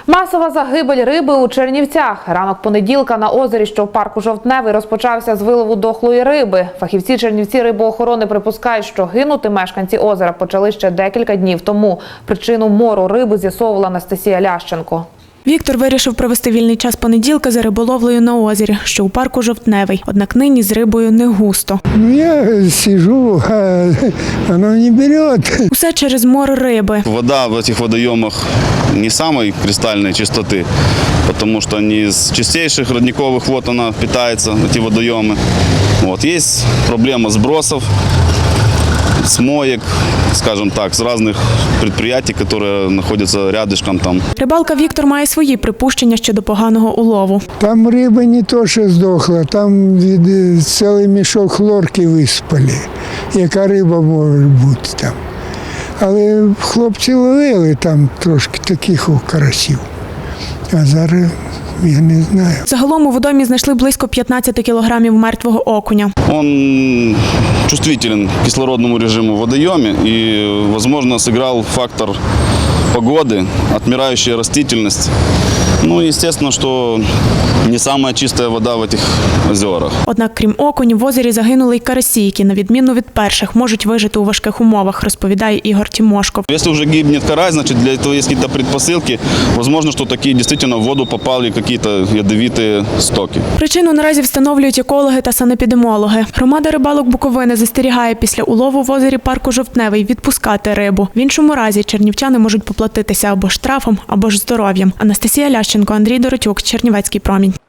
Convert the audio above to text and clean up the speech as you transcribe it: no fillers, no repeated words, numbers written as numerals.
Масова загибель риби у Чернівцях. Ранок понеділка на озері, що в парку Жовтневий, розпочався з вилову дохлої риби. Фахівці Чернівці рибоохорони припускають, що гинути мешканці озера почали ще декілька днів тому. Причину мору риби з'ясовувала Анастасія Лященко. Віктор вирішив провести вільний час понеділка за риболовлею на озері, що у парку Жовтневий. Однак нині з рибою не густо. Я сижу, а оно не берет. Усе через мор риби. Вода в этих водоемах не самой кристальной чистоты, потому что не из чистейших родниковых вод она питается, эти водоемы. Вот. Есть проблема сбросов, с моек, скажем так, с разных предприятий, которые находятся рядышком там. Рибалка Віктор має свої припущення щодо поганого улову. Там риба не то, що здохла, там цілий мішок хлорки виспали. Яка риба може бути там. Але хлопці ловили там трошки таких карасів. А зараз я не знаю. Загалом у водоймі знайшли близько 15 кілограмів мертвого окуня. Он чувствителен к кислородному режиму в водоеме и, возможно, сыграл фактор погоды, отмирающая растительность. Ну и, естественно, что не самая чистая вода в этих озерах. Однак, крім окунів, в озері загинули й карасі, які, на відміну від перших, можуть вижити у важких умовах, розповідає Ігор Тимошков. Если уже гибнет карась, значит, для этого есть какие-то предпосылки. Возможно, что такие действительно в воду попали какие-то ядовитые стоки. Причину наразі встановлюють екологи та санепідемологи. Громада рибалок Буковини застерігає після улову в озері парку Жовтневий відпускати рибу. В іншому разі чернівчани можуть поплатитися або штрафом, або ж здоров'ям. Анастасія Лященко, Андрій Доротюк, Чернівецький промінь.